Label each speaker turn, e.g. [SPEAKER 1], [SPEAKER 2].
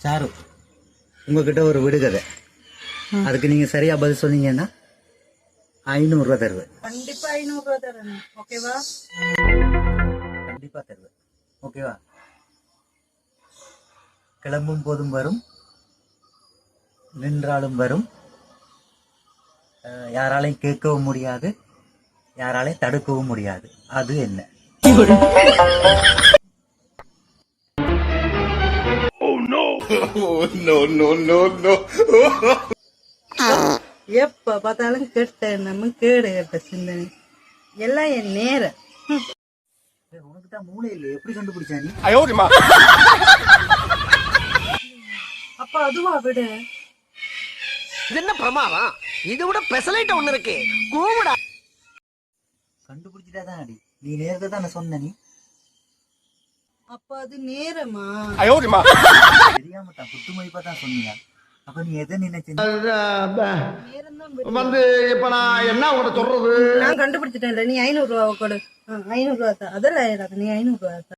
[SPEAKER 1] Sir உங்ககிட்ட ஒரு விடுகதை, அதுக்கு நீங்க சரியா பதில் சொன்னீங்கன்னா 500 ரூபா தருவேன்.
[SPEAKER 2] கண்டிப்பா 500 ரூபா தரணும். ஓகேவா?
[SPEAKER 1] கண்டிப்பா தருவேன். ஓகேவா? கிளம்பும் போதும் வரும், நின்றாலும் வரும், யாராலையும் கேட்கவும் முடியாது, யாராலையும் தடுக்கவும் முடியாது. அது என்ன?
[SPEAKER 2] எப்ப பார்த்தாலும் கெட்ட நம்ம கேடு கெட்ட சிந்தனை எல்லாம் என் நேரம்.
[SPEAKER 1] உனக்கு தான் மூளை இல்லை, எப்படி கண்டுபிடிச்சா நீ?
[SPEAKER 2] அப்ப அதுவா விடு.
[SPEAKER 3] இது என்ன பிரமாதம்? இது விட பெசலைட் ஒண்ணு இருக்கு. கூவுடா.
[SPEAKER 1] கண்டுபிடிச்சிட்டா தான் அடி. நீ நேரத்தை தான் சொன்ன. நீ
[SPEAKER 2] அப்ப அது நேரமா?
[SPEAKER 1] தெரியாம தான் குத்து மதிப்பா தான் சொன்னீங்க. அப்ப நீ எதை நினைச்சீங்க?
[SPEAKER 3] வந்து இப்ப நான் என்ன உங்களை சொல்றது?
[SPEAKER 2] நான் கண்டுபிடிச்சிட்டேன். நீ 500 ரூபா கொடு. 500 ரூபா தான். அதெல்லாம் நீ 500 ரூபா.